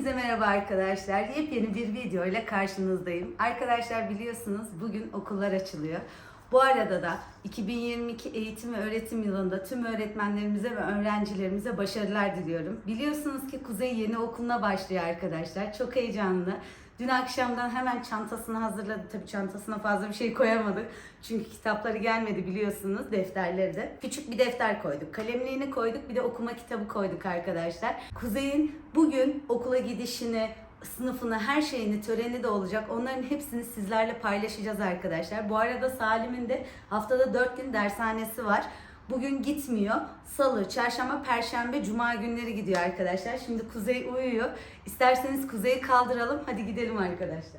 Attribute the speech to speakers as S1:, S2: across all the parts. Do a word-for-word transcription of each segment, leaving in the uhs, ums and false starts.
S1: Hepinize merhaba arkadaşlar. Yepyeni bir video ile karşınızdayım. Arkadaşlar biliyorsunuz bugün okullar açılıyor. Bu arada da iki bin yirmi iki eğitim ve öğretim yılında tüm öğretmenlerimize ve öğrencilerimize başarılar diliyorum. Biliyorsunuz ki Kuzey yeni okuluna başlıyor arkadaşlar. Çok heyecanlı. Dün akşamdan hemen çantasını hazırladı. Tabii çantasına fazla bir şey koyamadık. Çünkü kitapları gelmedi biliyorsunuz, defterleri de. Küçük bir defter koyduk. Kalemliğini koyduk. Bir de okuma kitabı koyduk arkadaşlar. Kuzey'in bugün okula gidişini, sınıfını, her şeyini, töreni de olacak. Onların hepsini sizlerle paylaşacağız arkadaşlar. Bu arada Salim'in de haftada dört gün dershanesi var. Bugün gitmiyor. Salı, çarşamba, perşembe, cuma günleri gidiyor arkadaşlar. Şimdi Kuzey uyuyor. İsterseniz Kuzey'i kaldıralım. Hadi gidelim arkadaşlar.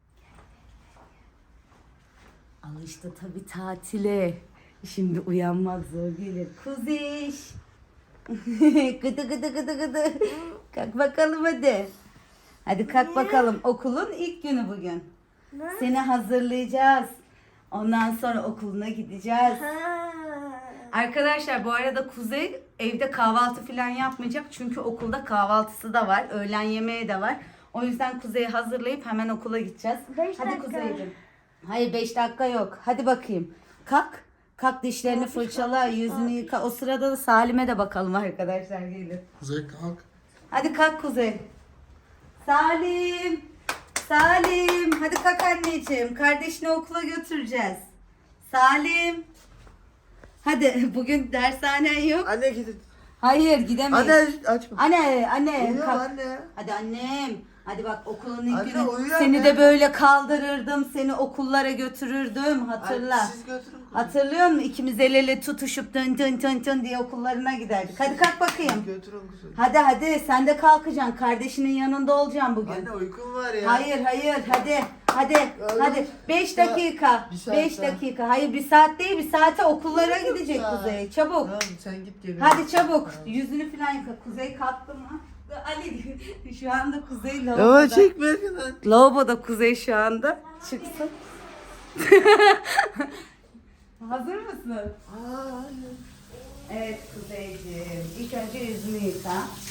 S1: Alıştı tabii tatile. Şimdi uyanmak zor gelir. Kuzey. Gıdı gıdı gıdı gıdı. Kalk bakalım hadi. Hadi kalk bakalım. Okulun ilk günü bugün. Seni hazırlayacağız. Ondan sonra okuluna gideceğiz. Arkadaşlar bu arada Kuzey evde kahvaltı falan yapmayacak. Çünkü okulda kahvaltısı da var. Öğlen yemeği de var. O yüzden Kuzey'i hazırlayıp hemen okula gideceğiz.
S2: Beş
S1: Hadi
S2: dakika.
S1: Kuzey'cim. Hayır beş dakika yok. Hadi bakayım. Kalk. Kalk dişlerini fırçala, yüzünü yıka. O sırada da Salim'e de bakalım arkadaşlar gelir.
S3: Kuzey kalk.
S1: Hadi kalk Kuzey. Salim. Salim. Hadi kalk anneciğim. Kardeşini okula götüreceğiz. Salim. Hadi bugün dershanen yok.
S2: Anne gidin.
S1: Hayır gidemeyiz.
S2: Anne açma.
S1: Anne, anne.
S2: Uyuyor
S1: kalk.
S2: anne.
S1: Hadi annem. Hadi bak okulun ilk
S2: Anne,
S1: günü.
S2: uyuyor
S1: Seni
S2: anne.
S1: de böyle kaldırırdım. Seni okullara götürürdüm. Hatırla.
S2: Anne, siz götürün.
S1: Hatırlıyor musun? İkimiz el ele tutuşup tın tın tın tın diye okullarına giderdik. Hadi kalk bakayım.
S2: Götürün kuzum.
S1: Hadi hadi sen de kalkacaksın. Kardeşinin yanında olacaksın bugün.
S2: Anne uykum var ya.
S1: Hayır hayır hadi hadi
S2: Oğlum,
S1: hadi beş
S2: ya,
S1: dakika
S2: bir saat
S1: beş
S2: daha.
S1: dakika hayır bir saat değil bir saate okullara
S2: Bir
S1: gidecek
S2: saat.
S1: Kuzey çabuk
S2: Tamam sen git gel.
S1: hadi çabuk yüzünü falan yıka. Kuzey kalktı mı? Ali şu anda Kuzey
S2: Ama
S1: lavaboda.
S2: çekme lan.
S1: Lavaboda Kuzey şu anda çıksın. Hazır mısın?
S2: Aa, anne.
S1: Evet Kuzeyciğim ilk önce yüzünü yıka.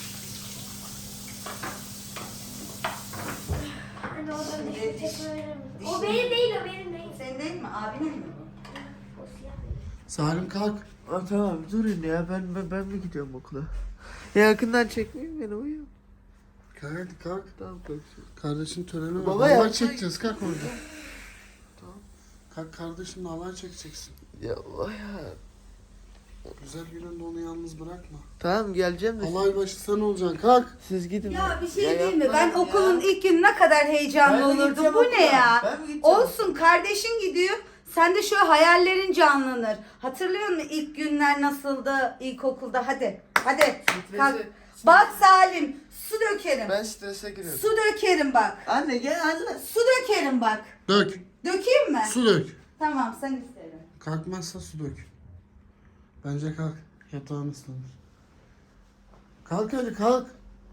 S4: Anne oradan
S1: Şimdi
S4: dişini
S1: diş-
S4: çekme verir misin?
S1: dişini-
S4: O benim değil, o benim değil.
S1: Senin değil mi? Abinin mi?
S4: O siyah.
S3: Salim kalk.
S2: Aa, tamam durun ya ben, ben ben mi gidiyorum okula? Ya yakından çekmeyin beni uyuyorum.
S3: Kalk hadi kalk.
S2: Tamam kalksın.
S3: Kardeşin töreni var.
S2: Baba
S3: Halay
S2: yapma.
S3: çekeceğiz kalk orada. Tamam. Kalk kardeşinle halay çekeceksin.
S2: Ya Allah ya.
S3: Güzel gününde onu yalnız bırakma.
S2: Tamam geleceğim de
S3: Halay başı sen olacaksın kalk.
S2: siz gidin.
S1: Ya bir şey
S2: Ya
S1: değil mi? Ben
S2: yapmayın ya.
S1: okulun ilk günü ne kadar heyecanlı
S2: Ben mi
S1: olurdum.
S2: gideceğim
S1: Bu
S2: okula?
S1: ne ya?
S2: Ben mi gideceğim?
S1: Olsun kardeşin gidiyor. Sen de şöyle hayallerin canlanır. Hatırlıyor musun ilk günler nasıldı ilkokulda? Hadi. Hadi.
S2: Stresi-
S1: Kalk. Bak Salim. Su dökerim.
S2: Ben strese giriyorum.
S1: Su dökerim bak.
S2: Anne gel anne.
S1: Su dökerim bak.
S3: Dök.
S1: Dökeyim mi?
S3: Su dök.
S1: Tamam sen isterim.
S3: Kalkmazsa su dök. Bence kalk. Yatağın ıslanır. Kalk hadi kalk.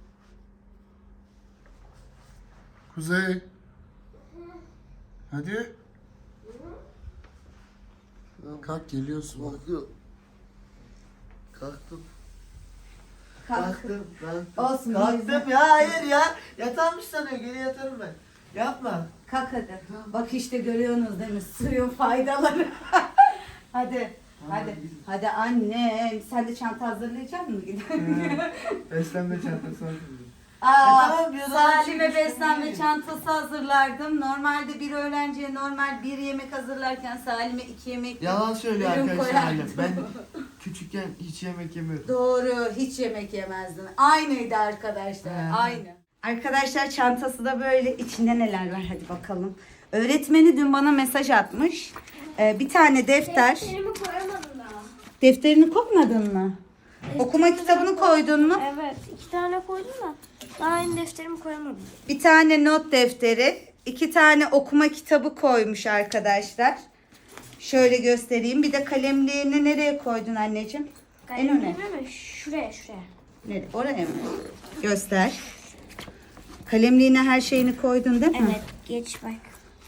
S3: Kuzey. Hadi. Kalk geliyorsun bak.
S2: Kalktım. Kalktım.
S1: Kalk.
S2: Kalktım. Kalktım.
S1: Olsun,
S2: Kalktım ya hayır ya. Yatağımmış sanıyor geri yatarım ben. Yapma.
S1: Kalk hadi. Bak işte görüyorsunuz değil mi? Suyun faydaları. Hadi. Hadi. Hadi annem. Sen de çanta hazırlayacak mısın?
S2: Beslenme çantası var.
S1: Aa,
S2: E tamam, bir odadan
S1: Salim'e
S2: çıkmış
S1: beslenme
S2: değil.
S1: çantası hazırlardım. Normalde bir öğrenciye normal bir yemek hazırlarken Salim'e iki yemek
S2: Yalan söylüyor
S1: ürün
S2: arkadaşlar
S1: koyardım.
S2: annem. Ben küçükken hiç yemek yemiyordum.
S1: Doğru, hiç yemek yemezdin. Aynıydı arkadaşlar,
S2: He.
S1: aynı. Arkadaşlar çantası da böyle. İçinde neler var hadi bakalım. Öğretmeni dün bana mesaj atmış. Ee, bir tane defter.
S4: Defterimi koyamadım daha.
S1: Defterini koymadın mı? Okuma kitabını koydun mu?
S4: Evet, iki tane koydum da daha aynı defterimi koyamadım.
S1: Bir tane not defteri, iki tane okuma kitabı koymuş arkadaşlar. Şöyle göstereyim. Bir de kalemliğini nereye koydun anneciğim? En öne.
S4: Kalemimi mi? Şuraya, şuraya.
S1: Nereye? Oraya mı? Göster. Kalemliğine her şeyini koydun değil mi?
S4: Evet, geç bak.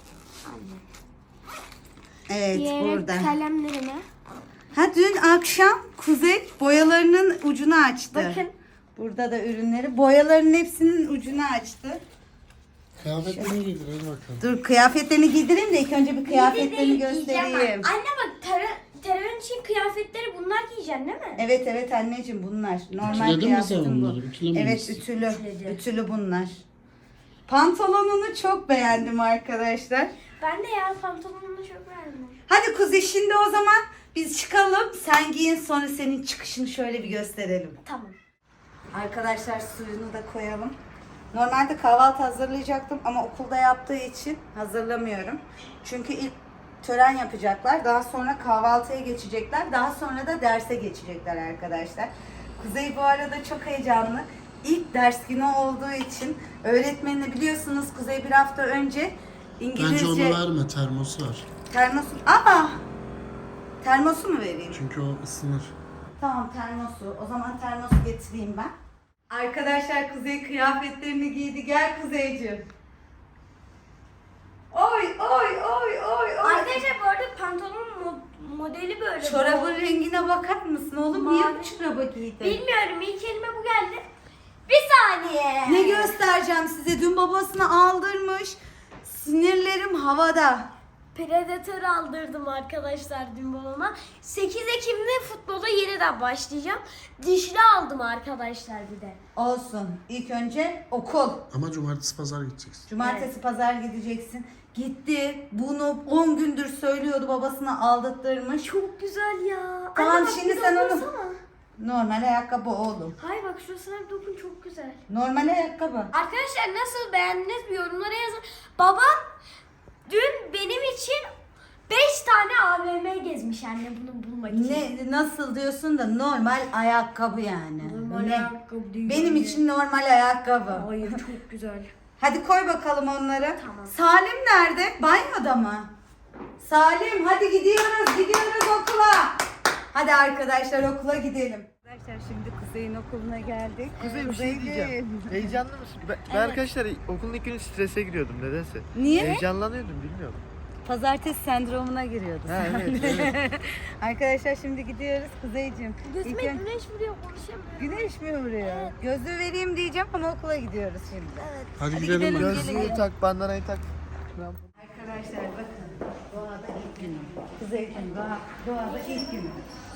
S1: Evet,
S4: Diğer
S1: burada.
S4: kalemlerime.
S1: Ha dün akşam Kuzey boyalarının ucunu açtı.
S4: Bakın.
S1: Burada da ürünleri. Boyaların hepsinin ucunu açtı.
S3: Kıyafetlerini giydir hadi bakalım.
S1: Dur kıyafetlerini giydireyim de ilk önce bir kıyafetlerini göstereyim.
S4: Anne bak terör, terörün için kıyafetleri bunlar giyeceksin değil mi?
S1: Evet evet anneciğim bunlar. Normal
S3: Ütüledin mi sen
S1: kıyafetim bu.
S3: onları? Ütülememişsin.
S1: Evet ütülü.
S4: Ütüledi.
S1: Ütülü bunlar. Pantolonunu çok beğendim arkadaşlar.
S4: Ben de ya pantolonunu çok beğendim.
S1: Hadi Kuzey şimdi o zaman biz çıkalım. Sen giyin sonra senin çıkışını şöyle bir gösterelim.
S4: Tamam.
S1: Arkadaşlar suyunu da koyalım. Normalde kahvaltı hazırlayacaktım ama okulda yaptığı için hazırlamıyorum. Çünkü ilk tören yapacaklar. Daha sonra kahvaltıya geçecekler. Daha sonra da derse geçecekler arkadaşlar. Kuzey bu arada çok heyecanlı. İlk ders günü olduğu için öğretmenini biliyorsunuz Kuzey bir hafta önce İngilizce...
S3: Bence onu verme, termosu var.
S1: Termosu... Aa! Termosu mu vereyim?
S3: Çünkü o ısınır.
S1: Tamam termosu. O zaman termosu getireyim ben. Arkadaşlar Kuzey kıyafetlerini giydi. Gel Kuzeyciğim. Oy oy oy oy oy.
S4: Arkadaşlar bu arada pantolonun mo- modeli böyle.
S1: Çorabın rengine bakar mısın oğlum? Niye
S4: Mavi.
S1: bu çorabı giydin?
S4: Bilmiyorum ilk elime bu geldi. Bir saniye.
S1: Ne göstereceğim size? Dün babasını aldırmış. Sinirlerim havada.
S4: Predator aldırdım arkadaşlar dün babama. sekiz Ekim'de futbola yeniden başlayacağım. Dişli aldım arkadaşlar bir de.
S1: Olsun. İlk önce okul.
S3: Ama cumartesi pazar gideceksin.
S1: Cumartesi pazar gideceksin. Gitti. Bunu on gündür söylüyordu. Babasını aldattırmış.
S4: Çok güzel ya.
S1: Tamam,
S4: Anne bak,
S1: şimdi
S4: bir
S1: sen onu-
S4: dokunsana.
S1: Normal ayakkabı oğlum.
S4: Hayır bak şurasına bir dokun çok güzel.
S1: Normal ayakkabı.
S4: Arkadaşlar nasıl beğendiniz bir yorumlara yazın. Babam dün benim için beş tane A V M gezmiş anne bunu bulmak için.
S1: Ne nasıl diyorsun da normal ayakkabı yani.
S4: Normal
S1: Ne?
S4: ayakkabı değil.
S1: Benim için normal ayakkabı.
S4: Hayır çok güzel.
S1: Hadi koy bakalım onları.
S4: Tamam.
S1: Salim nerede? Banyoda mı? Salim hadi gidiyoruz gidiyoruz okula. Hadi arkadaşlar okula gidelim. Arkadaşlar şimdi Kuzey'in okuluna geldik.
S2: Kuzey bir şey diyeceğim. Heyecanlı mısın? Ben, ben arkadaşlar okulun ilk günü strese giriyordum nedense.
S1: Niye?
S2: Heyecanlanıyordum bilmiyorum.
S1: Pazartesi sendromuna giriyordu.
S2: Ha, evet, evet.
S1: Arkadaşlar şimdi gidiyoruz Kuzeyciğim.
S4: Gözüme
S1: İlk ön-
S4: güneş vuruyor konuşamıyorum.
S1: Güneş mi vuruyor? Gözlüğü vereyim diyeceğim ama okula gidiyoruz şimdi.
S4: Evet.
S3: Hadi,
S1: Hadi
S3: gidelim.
S1: gidelim.
S3: ben.
S2: Gözlüğü tak, bandanayı tak.
S1: Arkadaşlar bakın doğada ilk günüm. Kuzeyciğim doğa, doğada ilk günüm.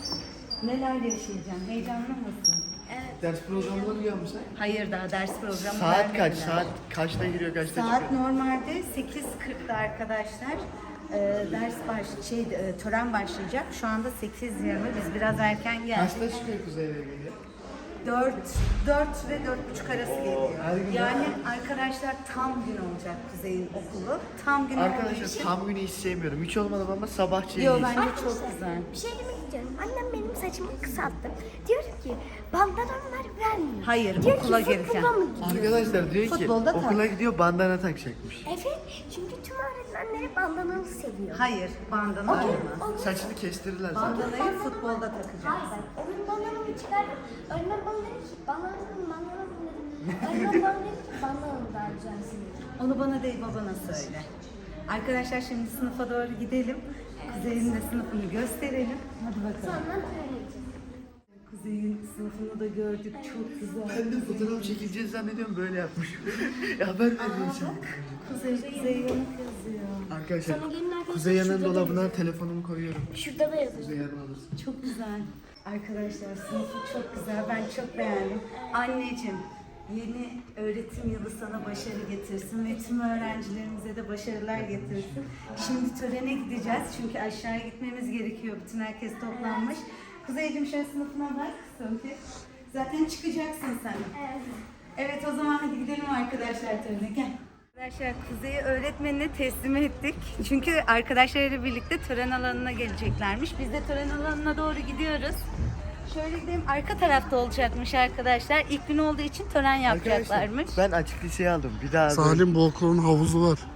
S1: Neler yaşayacağım? Heyecanlı mısın?
S2: Ders programını biliyor musun?
S1: Hayır daha ders programı
S2: Saat kaç?
S1: vermediler.
S2: Saat kaçta giriyor, kaçta
S1: Saat
S2: çıkıyor?
S1: normalde sekiz kırkta arkadaşlar. Ee, ders baş şey e, tören başlayacak. Şu anda sekiz yirmi. Biz biraz erken geldik.
S2: Kaçta çıkıyor Kuzey'e geliyor?
S1: dört dört ve dört buçuk arası geliyor.
S2: Her gün
S1: Yani arkadaşlar tam gün olacak Kuzey'in okulu. Tam gün olduğu
S2: Arkadaşlar
S1: için.
S2: tam günü hiç sevmiyorum. Hiç olmadı ama sabahçı
S1: Yo
S2: iyi.
S1: bence çok güzel.
S4: Bir şey demek istiyorum. Annem benim saçımı kısalttı. Diyor ki bandanamlar vermiyor.
S1: Hayır,
S4: Diyor
S1: okula
S4: ki,
S1: geleceğim.
S4: futbola mı gidiyorsun?
S2: Arkadaşlar diyor ki
S1: Futbolda tak.
S2: okula gidiyor bandana takacakmış.
S4: Evet çünkü tüm öğretmenleri bandanalı seviyor.
S1: Hayır, bandana olmaz.
S2: Saçını kestirirler zaten.
S1: Bandanayı futbolda takacağız.
S4: Hayır ben o gün bandanamı çıkardım. Öğretmen bana dedi ki bandanamı bandanamı dedi. Öğretmen bana dedi ki bandanamı vereceksin dedi.
S1: Onu bana değil babana söyle. Arkadaşlar şimdi sınıfa doğru gidelim. Kuzey'in de sınıfını gösterelim. Hadi bakalım.
S4: Sonra tören edeceğiz.
S1: Kuzey'in sınıfını da gördük. Çok güzel.
S2: Ben de fotoğraf çekileceğiz zannediyorum böyle yapmış. ya haber veriyor şimdi.
S1: Kuzey, Kuzey yanık yazıyor.
S2: Arkadaşlar
S4: Sonra gelin arkadaşlar
S2: Kuzey yanın
S4: şurada da
S2: dolabına telefonumu koyuyorum.
S4: Şurada da yazıyor.
S2: Kuzey yanına alırsın.
S1: Çok güzel. Arkadaşlar sınıfı çok güzel. Ben çok beğendim. Anneciğim yeni öğretim yılı sana başarı getirsin ve tüm öğrencilerimize de başarılar getirsin. Şimdi törene gideceğiz çünkü aşağıya gitmemiz gerekiyor. Bütün herkes toplanmış. Kuzeyciğim şöyle sınıfına bak. Sophie. Zaten çıkacaksın sen.
S4: Evet.
S1: Evet o zaman hadi gidelim arkadaşlar törene gel. Arkadaşlar Kuzey'i öğretmenine teslim ettik. Çünkü arkadaşlarıyla birlikte tören alanına geleceklermiş. Biz de tören alanına doğru gidiyoruz. Şöyle gidelim arka tarafta olacakmış arkadaşlar. İlk gün olduğu için tören yapacaklarmış.
S2: ben açık liseyi aldım. Bir daha böyle-
S3: Salim bu okulun havuzu var.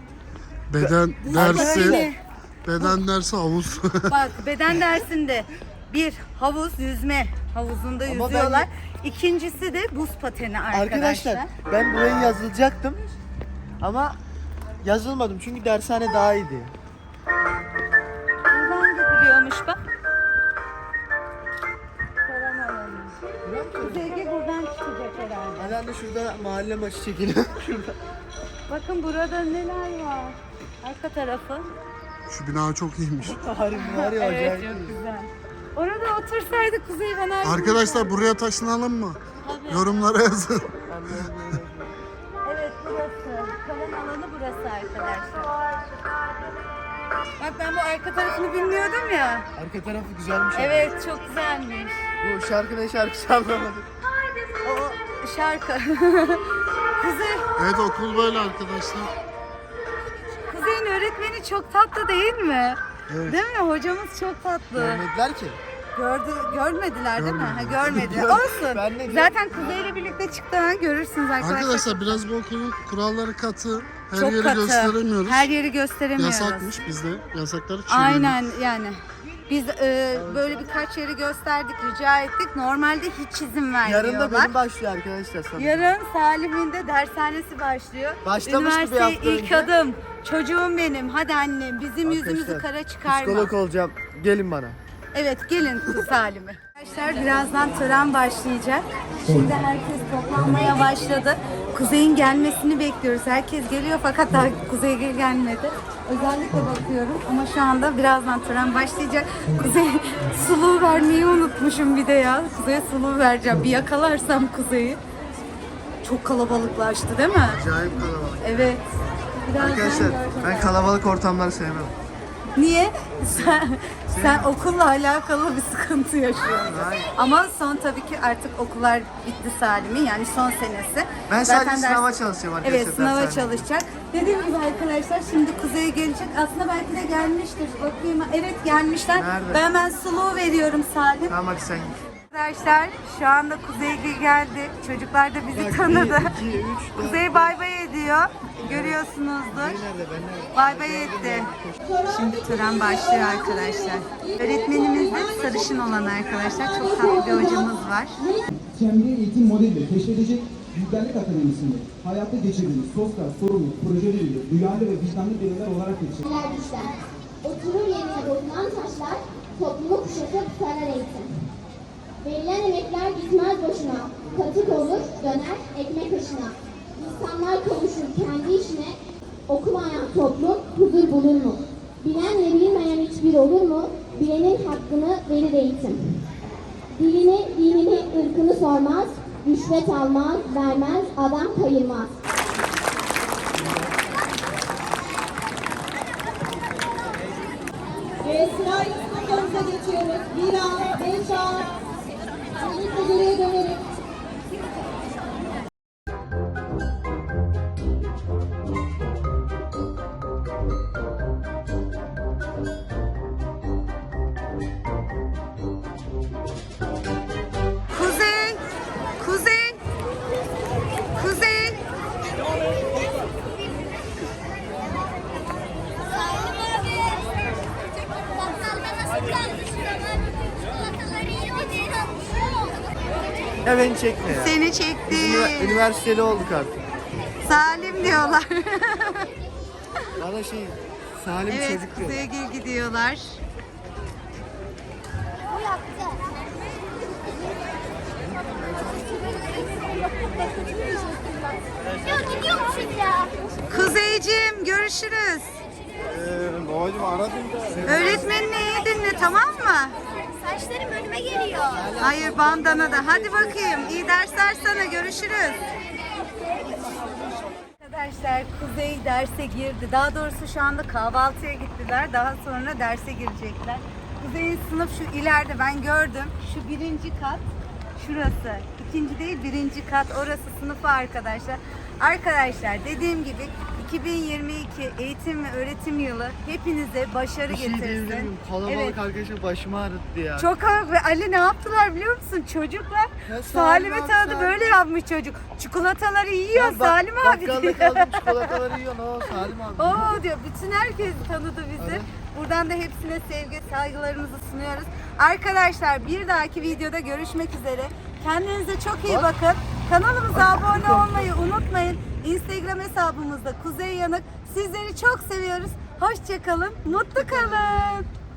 S3: Beden
S1: Böyle.
S3: dersi, beden dersi havuz.
S1: Bak beden dersinde bir havuz yüzme havuzunda
S2: Ama
S1: yüzüyorlar. İkincisi de buz pateni arkadaşlar.
S2: Arkadaşlar ben buraya yazılacaktım. Ama yazılmadım çünkü dershane daha iyiydi.
S1: Buradan gidiliyormuş bak. Tören alanı. Kuzey'e buradan çıkacak
S2: tane şurada mahalle maçı çekiliyor. Şurada.
S1: Bakın burada neler var. Arka tarafı.
S3: Şu bina çok iyiymiş.
S2: Harbi var ya
S1: Evet
S2: acayip.
S1: çok güzel. Orada otursaydık Kuzey ben her gün-
S3: Arkadaşlar buraya taşınalım mı?
S1: Tabii.
S3: Yorumlara yazın.
S1: Evet burası. Kalan alanı burası arkadaşlar. Bak ben bu arka tarafını bilmiyordum ya.
S2: Arka tarafı güzelmiş. ama.
S1: Evet çok güzelmiş.
S2: Bu şarkı ne şarkısı anlamadım.
S1: O şarkı. Kuzey,
S3: Evet okul böyle arkadaşlar.
S1: Kuzey'in öğretmeni çok tatlı değil mi?
S3: Evet.
S1: Değil mi? Hocamız çok tatlı.
S2: Görmediler ki.
S1: Gördü, görmediler değil mi? Ha,
S3: Görmediler.
S1: görmediler.
S2: Gör-
S1: Olsun.
S2: Ben ne diyorum?
S1: Zaten Kuzey'le birlikte çıktığını görürsünüz arkadaşlar.
S3: Arkadaşlar biraz bu okulun kuralları katı. Her
S1: çok
S3: yeri
S1: katı.
S3: gösteremiyoruz.
S1: Her yeri gösteremiyoruz.
S3: Yasakmış bizde. Yasakları çiğnedik.
S1: Aynen yani. Biz e, böyle birkaç yeri gösterdik, rica ettik. Normalde hiç izin vermiyorlar.
S2: Yarın da benim başlıyor arkadaşlar. sanırım.
S1: Yarın Salim'in de dershanesi başlıyor.
S2: Başlamıştı bir
S1: Üniversiteye
S2: hafta
S1: ilk
S2: önce.
S1: adım. Çocuğum benim. Hadi annem bizim yüzümüzü
S2: Arkadaşlar,
S1: kara çıkarma.
S2: Psikolog olacağım. Gelin bana.
S1: Evet gelin Salim'e. Arkadaşlar birazdan tören başlayacak. Şimdi herkes toplanmaya başladı. Kuzey'in gelmesini bekliyoruz. Herkes geliyor fakat daha Kuzey gel- gelmedi. Özellikle bakıyorum ama şu anda birazdan tören başlayacak. Kuzey suluğu vermeyi unutmuşum bir de ya. Kuzey'e suluğu vereceğim. Bir yakalarsam Kuzey'i. Çok kalabalıklaştı değil mi?
S2: Acayip kalabalık.
S1: Evet. Birazdan
S2: Arkadaşlar
S1: göreceğiz.
S2: ben kalabalık ortamları sevmem.
S1: Niye? Sen, sen okulla alakalı bir sıkıntı yaşıyorsun.
S2: Hayır.
S1: Ama son tabii ki artık okullar bitti Salim'in yani son senesi.
S2: Ben
S1: Zaten
S2: sadece
S1: ders-
S2: sınava çalışacağım arkadaşlar.
S1: Evet sınava
S2: dershanede.
S1: çalışacak. Dediğim gibi arkadaşlar şimdi Kuzey'e gelecek. Aslında belki de gelmiştir. Bakayım. Evet gelmişler.
S2: Nerede?
S1: Ben hemen suluğu veriyorum Salim.
S2: Tamam hadi sen git.
S1: Arkadaşlar şu anda Kuzey geldi. Çocuklar da bizi tanıdı.
S2: iki, üç, dört.
S1: Kuzey bay bay ediyor. Görüyorsunuzdur.
S2: Nerede ben nerede?
S1: Bay bay etti. Şimdi tören başlıyor arkadaşlar. Öğretmenimiz de sarışın olan arkadaşlar. Çok tatlı bir hocamız var.
S5: Kendi eğitim modeliyle keşfedecek Bilgerlik Akademisi'nde hayatta geçirdiğimiz sosyal, sorumlu, projeleriyle duyarlı ve vicdanlı bireyler olarak yetiştirildi.
S6: Neler düşler. Oturur yerine dokunan taşlar, toplumu kuşatıp sarar eğitim. Verilen emekler gitmez boşuna, katık olur, döner ekmek başına. İnsanlar kavuşur kendi işine, okumayan toplum huzur bulur mu? Bilen ve bilmeyen hiçbir olur mu? Bilenin hakkını verir eğitim. Dilini, dinini, ırkını sormaz, rüşvet almaz, vermez, adam kayırmaz.
S7: Ve sıra sınıflarımıza geçiyoruz. Bir an, beş an. Birlikte geriye dönerek.
S1: Kuzey! Kuzey! Kuzey!
S2: Ya beni çekme ya.
S1: Seni çekti.
S2: Ünivers- Üniversiteli olduk artık.
S1: Salim diyorlar.
S2: Bana şey Salim
S1: Evet
S2: çocuk diyor.
S1: Kuzey'e gel gidiyorlar.
S6: Ya gidiyormuşuz ya.
S1: Kuzeyciğim görüşürüz.
S3: Ee, babacım aradım da.
S1: Öğretmenini iyi dinle tamam mı?
S6: Saçlarım önüme geliyor.
S1: Hayır bandana da. Hadi bakayım. İyi dersler sana. Görüşürüz. Arkadaşlar Kuzey derse girdi. Daha doğrusu şu anda kahvaltıya gittiler. Daha sonra derse girecekler. Kuzey'in sınıf şu ileride ben gördüm. Şu birinci kat. Şurası. İkinci değil birinci kat. Orası sınıfı arkadaşlar. Arkadaşlar dediğim gibi iki bin yirmi iki eğitim ve öğretim yılı hepinize başarı
S2: Bir şey diyebilir
S1: getirsin.
S2: miyim? Kalabalık
S1: Evet.
S2: arkadaşlar başımı ağrıttı ya.
S1: Çok kalabalık ve Ali ne yaptılar biliyor musun? Çocuklar
S2: Ya Salim
S1: Salim'i
S2: abi,
S1: tanıdı
S2: Salim.
S1: böyle yapmış çocuk. Çikolataları yiyor
S2: Ya bak-
S1: Salim abi
S2: Bakkalda
S1: diyor.
S2: kaldım çikolataları yiyor. Ne o Salim abi.
S1: Oo diyor bütün herkes tanıdı bizi.
S2: Evet.
S1: Buradan da hepsine sevgi saygılarımızı sunuyoruz. Arkadaşlar bir dahaki videoda görüşmek üzere. Kendinize çok iyi
S2: Bak.
S1: bakın. Kanalımıza abone olmayı unutmayın. Instagram hesabımızda Kuzey Yanık. Sizleri çok seviyoruz. Hoşça kalın. Mutlu kalın.